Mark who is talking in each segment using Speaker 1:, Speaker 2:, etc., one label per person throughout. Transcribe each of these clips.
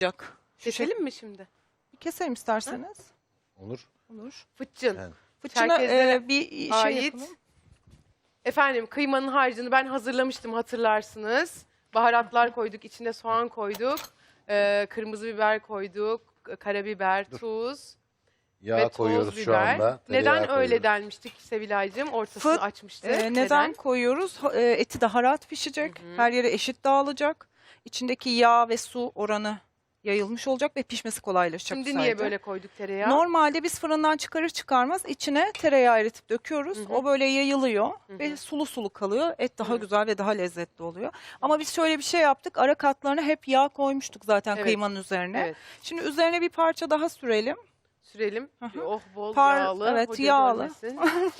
Speaker 1: Keselim mi şimdi?
Speaker 2: Keselim isterseniz.
Speaker 3: Olur.
Speaker 2: Olur.
Speaker 1: Fıçın.
Speaker 3: Yani.
Speaker 2: Fıçına
Speaker 1: Çerkezlere
Speaker 2: bir şey
Speaker 1: ait.
Speaker 2: yapalım.
Speaker 1: Efendim kıymanın harcını ben hazırlamıştım hatırlarsınız. Baharatlar koyduk, içine soğan koyduk. Kırmızı biber koyduk, karabiber, tuz
Speaker 3: Yağ
Speaker 1: ve toz
Speaker 3: koyuyoruz şu
Speaker 1: biber.
Speaker 3: anda.
Speaker 1: Neden
Speaker 3: Tereyağı
Speaker 1: öyle
Speaker 3: koyuyoruz.
Speaker 1: denmiştik Sevilay'cığım? Ortasını
Speaker 2: Fıt,
Speaker 1: açmıştık.
Speaker 2: Neden koyuyoruz? Eti daha rahat pişecek. Her yere eşit dağılacak. İçindeki yağ ve su oranı yayılmış olacak ve pişmesi kolaylaşacak.
Speaker 1: Şimdi
Speaker 2: bu
Speaker 1: niye
Speaker 2: sayede.
Speaker 1: böyle koyduk tereyağı?
Speaker 2: Normalde biz fırından çıkarır çıkarmaz içine tereyağı eritip döküyoruz. O böyle yayılıyor ve sulu sulu kalıyor. Et daha güzel ve daha lezzetli oluyor. Ama biz şöyle bir şey yaptık. Ara katlarına hep yağ koymuştuk zaten
Speaker 1: Evet.
Speaker 2: kıymanın üzerine.
Speaker 1: Evet.
Speaker 2: Şimdi üzerine bir parça daha sürelim.
Speaker 1: Sürelim. Oh bol
Speaker 2: Par-
Speaker 1: yağlı.
Speaker 2: evet,
Speaker 1: hoca
Speaker 2: yağlı.
Speaker 1: görmesin.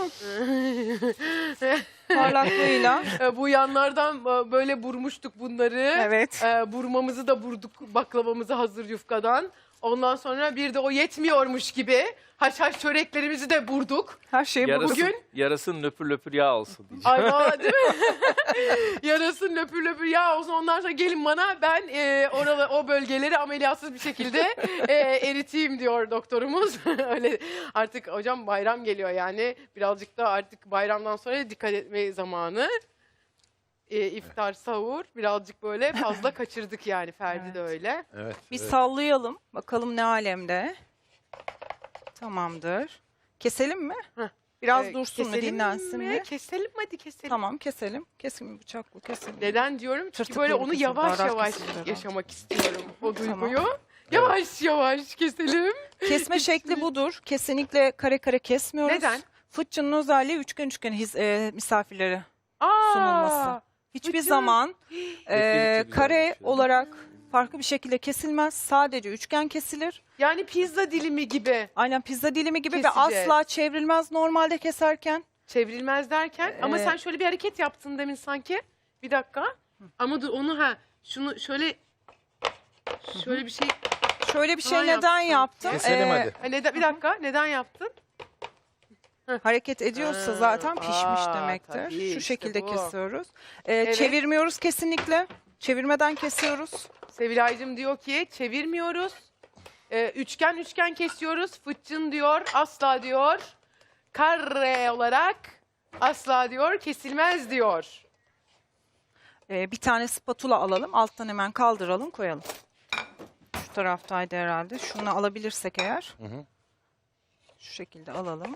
Speaker 2: Parlaklığıyla.
Speaker 1: Bu yanlardan böyle burmuştuk bunları.
Speaker 2: Evet.
Speaker 1: Burmamızı da burduk baklavamızı hazır yufkadan. Ondan sonra bir de o yetmiyormuş gibi haşhaş çöreklerimizi de burduk.
Speaker 2: Her şeyi
Speaker 4: Yarasın,
Speaker 1: Bugün-
Speaker 4: yarasın löpür löpür yağ olsun diyeceğim.
Speaker 1: Ay valla değil mi? Yarasın löpür löpür yağ olsun. Ondan sonra gelin bana ben o bölgeleri ameliyatsız bir şekilde eriteyim diyor doktorumuz. Öyle artık hocam bayram geliyor yani. Birazcık da artık bayramdan sonra dikkat etme zamanı. İftar, sahur birazcık böyle fazla kaçırdık yani Ferdi de öyle.
Speaker 3: Evet.
Speaker 2: Bir
Speaker 3: evet.
Speaker 2: sallayalım. Bakalım ne alemde. Tamamdır. Keselim mi?
Speaker 1: Heh.
Speaker 2: Biraz dursun mu,
Speaker 1: Keselim
Speaker 2: dinlensin
Speaker 1: mi?
Speaker 2: mi?
Speaker 1: Keselim hadi keselim.
Speaker 2: Tamam keselim. Kesin bıçakla keselim.
Speaker 1: Neden diyorum? Çünkü
Speaker 2: Tırtıklı
Speaker 1: böyle
Speaker 2: bir
Speaker 1: onu
Speaker 2: kesim,
Speaker 1: yavaş
Speaker 2: baharat
Speaker 1: yavaş
Speaker 2: kesildi herhalde.
Speaker 1: yaşamak istiyorum o
Speaker 2: Tamam.
Speaker 1: duyguyu. Yavaş yavaş keselim.
Speaker 2: Kesme şekli budur. Kesinlikle kare kare kesmiyoruz.
Speaker 1: Neden?
Speaker 2: Fıçının özelliği üçgen üçgen misafirlere
Speaker 1: Aa,
Speaker 2: sunulması. Hiçbir
Speaker 1: fıçı.
Speaker 2: zaman
Speaker 4: Bekledikçe
Speaker 2: kare
Speaker 4: güzelmiş ya.
Speaker 2: olarak farklı bir şekilde kesilmez. Sadece üçgen kesilir.
Speaker 1: Yani pizza dilimi gibi
Speaker 2: Aynen pizza dilimi gibi ve
Speaker 1: Keseceğiz.
Speaker 2: asla çevrilmez normalde keserken.
Speaker 1: çevrilmez derken. Ama sen şöyle bir hareket yaptın demin sanki. Bir dakika. Ama dur onu şunu şöyle bir şey.
Speaker 2: Şöyle bir şey
Speaker 1: Tamam,
Speaker 2: neden
Speaker 1: yaptım.
Speaker 2: yaptım?
Speaker 3: Keselim hadi.
Speaker 1: Neden, bir dakika neden yaptın?
Speaker 2: Hareket ediyorsa
Speaker 1: Ha,
Speaker 2: zaten pişmiş demektir.
Speaker 1: tabii,
Speaker 2: Şu
Speaker 1: işte
Speaker 2: şekilde
Speaker 1: bu.
Speaker 2: kesiyoruz.
Speaker 1: Evet.
Speaker 2: Çevirmiyoruz kesinlikle. Çevirmeden kesiyoruz.
Speaker 1: Sevilaycığım diyor ki çevirmiyoruz. Üçgen üçgen kesiyoruz. Fıçın diyor asla diyor. Kare olarak asla diyor kesilmez diyor.
Speaker 2: Bir tane spatula alalım. Alttan hemen kaldıralım, koyalım. Şu taraftaydı herhalde. Şunu alabilirsek eğer.
Speaker 3: hı.
Speaker 2: Şu şekilde alalım.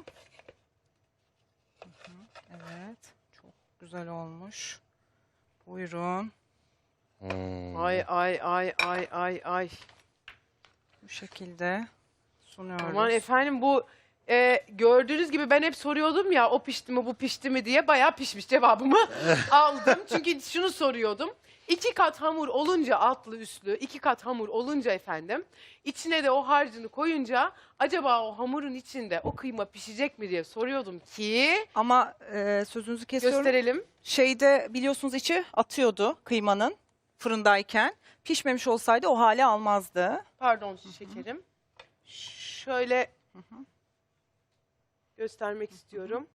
Speaker 2: Evet. Çok güzel olmuş. Buyurun.
Speaker 1: Ay ay ay ay ay ay.
Speaker 2: Bu şekilde sunuyoruz.
Speaker 1: Aman efendim bu gördüğünüz gibi ben hep soruyordum ya o pişti mi bu pişti mi diye bayağı pişmiş cevabımı aldım. Çünkü şunu soruyordum. 2 kat hamur olunca altlı üstlü 2 kat hamur olunca efendim içine de o harcını koyunca acaba o hamurun içinde o kıyma pişecek mi diye soruyordum ki
Speaker 2: Ama sözünüzü kesiyorum.
Speaker 1: gösterelim.
Speaker 2: Şeyde biliyorsunuz içi atıyordu kıymanın fırındayken. Pişmemiş olsaydı o hale almazdı.
Speaker 1: Pardon şekerim. Şöyle göstermek istiyorum.